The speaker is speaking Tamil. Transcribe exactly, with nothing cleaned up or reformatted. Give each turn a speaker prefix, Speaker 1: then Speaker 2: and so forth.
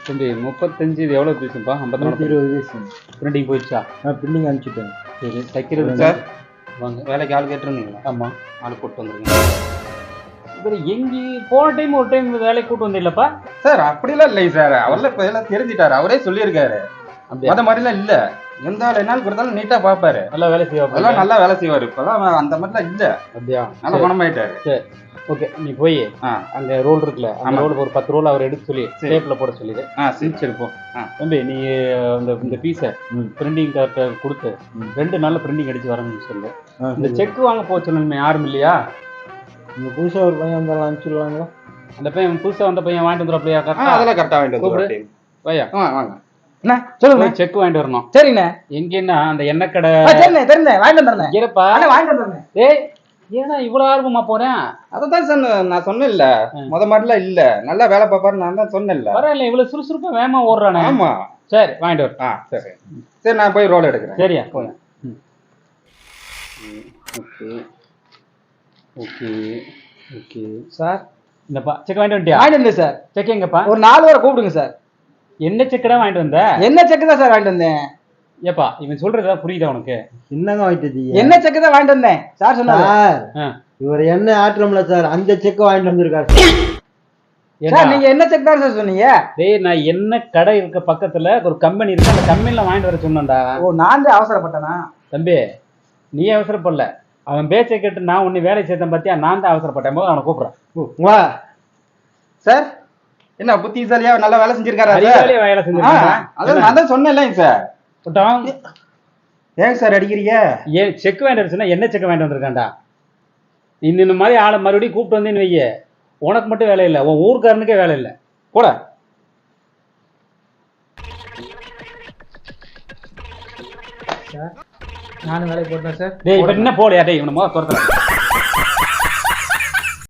Speaker 1: தம்பி முப்பத்தஞ்சு இது எவ்வளோ பீஸுப்பா? ஐம்பத்தி
Speaker 2: இருபது பீஸ்
Speaker 1: பிரிண்டிங் போயிடுச்சா?
Speaker 2: நான் பிரிண்டிங் அனுப்பிச்சுட்டேன்.
Speaker 1: சரி தைக்கிறது
Speaker 3: சார்
Speaker 1: வாங்க.
Speaker 3: வேலைக்கு ஆள் கேட்டுருந்தீங்களா?
Speaker 1: ஆமாம்,
Speaker 3: ஆள் கூப்பிட்டு வந்துருங்க.
Speaker 1: இவர் எங்கே போன டைம் ஒரு டைம் வேலைக்கு கூட்டு வந்தில்லப்பா?
Speaker 3: சார் அப்படிலாம் இல்லை சார், அவர்லாம் இப்போ எல்லாம் தெரிஞ்சிட்டாரு, அவரே சொல்லியிருக்காரு.
Speaker 1: அப்படியா?
Speaker 3: அந்த மாதிரிலாம் இல்லை, எந்த வேலை என்னாலும் கொடுத்தாலும் நீட்டாக பார்ப்பாரு,
Speaker 1: நல்லா வேலை செய்வா,
Speaker 3: அதெல்லாம் நல்லா வேலை செய்வார். இப்போலாம் அந்த மாதிரிலாம் இல்லை.
Speaker 1: அப்படியா?
Speaker 3: நல்லா பணமாயிட்டாரு.
Speaker 1: சரி ஓகே, நீ போய்
Speaker 3: ஆ
Speaker 1: அங்கே ரோல் இருக்குல்ல, அந்த ரோலுக்கு ஒரு பத்து ரோல் அவர் எடுத்து சொல்லி டேப்பில் போட சொல்லிடு.
Speaker 3: ஆ சரி சரி போ. ஆ
Speaker 1: தம்பி நீ அந்த இந்த பீஸை பிரிண்டிங் கார்ட்டை கொடுத்து ரெண்டு நாளில் பிரிண்டிங் அடிச்சு வரணும்னு சொல்லு. இந்த செக் வாங்க போக சொல்லணுமே, யாரும் இல்லையா?
Speaker 2: இந்த புதுசாக ஒரு பையன் வந்தாலும் அனுப்பிச்சுடலாங்களா?
Speaker 1: அந்த பையன் புதுசாக வந்த பையன் வாங்கிட்டு வந்துடுறப்பையா?
Speaker 3: ஆ
Speaker 1: கரெக்டாக
Speaker 3: அதெல்லாம் கரெக்டாக வாங்கிட்டு
Speaker 1: கூப்பிடு
Speaker 3: வந்து
Speaker 1: பையா.
Speaker 3: ஆ வாங்க அண்ணா, சொல்லுங்க.
Speaker 1: செக் வாங்கிட்டு வரணும்.
Speaker 3: சரிண்ணே.
Speaker 1: எங்கன்னா அந்த எண்ணெய் கடை
Speaker 3: சரிண்ணே தெரிண்ணே, வாங்கிட்டு வந்துடுறேன்.
Speaker 1: இருப்பா,
Speaker 3: வாங்கிட்டு வந்துடுறேன்.
Speaker 1: ஏய் ஏன்னா இவ்வளோ ஆர்வமா போறேன்?
Speaker 3: அதான் சார் நான் சொன்னேன்ல, முத மாதிரிலாம் இல்ல, நல்லா வேலை பார்ப்பாரு, நான் தான் சொன்னேன்ல.
Speaker 1: பரவாயில்ல, இவ்வளவு சுறுசுறுப்பா வேகமா ஓடுறானே.
Speaker 3: ஆமா
Speaker 1: சரி வாங்கிட்டு வர.
Speaker 3: ஆ சரி சரி, நான் போய் ரோல் எடுக்கிறேன்.
Speaker 1: சரியா போங்க. ஓகே ஓகே ஓகே சார், இந்தப்பா செக் வாங்கிட்டு வந்துட்டியா?
Speaker 2: வாங்கிட்டு வந்தேன் சார்.
Speaker 1: செக் எங்கப்பா?
Speaker 2: ஒரு நாலு வரை கூப்பிடுங்க சார்.
Speaker 1: என்ன செக்கடா வாங்கிட்டு வந்த?
Speaker 2: என்ன செக்கு தான் சார் வாங்கிட்டு வந்தேன்.
Speaker 1: ஏப்பா இவன் சொல்றதா புரியுதா உனக்கு?
Speaker 2: என்னங்க வாங்கிட்டு என்ன செக்கு தான் வாங்கிட்டு வந்தேன் சார் சொன்னார். இவர் என்ன ஆட்டுறோம்ல சார், அந்த செக் வாங்கிட்டு வந்திருக்காரு சார். நீங்க என்ன செக் தான் சார் சொன்னீங்க?
Speaker 1: டேய் நான் என்ன கடை இருக்க பக்கத்துல ஒரு கம்பெனி இருக்கு, அந்த கம்பெனில வாங்கிட்டு வர சொன்னேன்டா.
Speaker 2: ஓ நான் தான் அவசரப்பட்டேனா?
Speaker 1: தம்பி நீ அவசரப்படல, அவன் பேச்சை கேட்டு நான் உன்னை வேலை சேர்த்தேன் பார்த்தியா, நான் தான் அவசரப்பட்டேன். போது அவனை கூப்பிடுறேன்.
Speaker 2: வா
Speaker 3: சார், என்ன புத்திசாலியா நல்லா வேலை செஞ்சிருக்காரு.
Speaker 1: வேலை செஞ்சிருக்கேன்,
Speaker 3: அதான் நான் தான் சொன்னேன்ல சார். ஏன் சார் அடிக்கிறீங்க?
Speaker 1: ஏன் செக் வாங்கிட்டு சொன்னா என்ன செக் வாங்கிட்டு வந்திருக்காண்டா? இந்த மாதிரி ஆளை மறுபடியும் கூப்பிட்டு வந்தேன்னு வைய, உனக்கு மட்டும் வேலை இல்லை, உன் ஊருக்காரனுக்கே வேலை இல்லை. போட
Speaker 2: நானும் வேலைக்கு போட்டேன் சார்.
Speaker 1: டேய் இப்ப என்ன போலையா? டேய் இவனை முதல்ல துரத்துறேன்.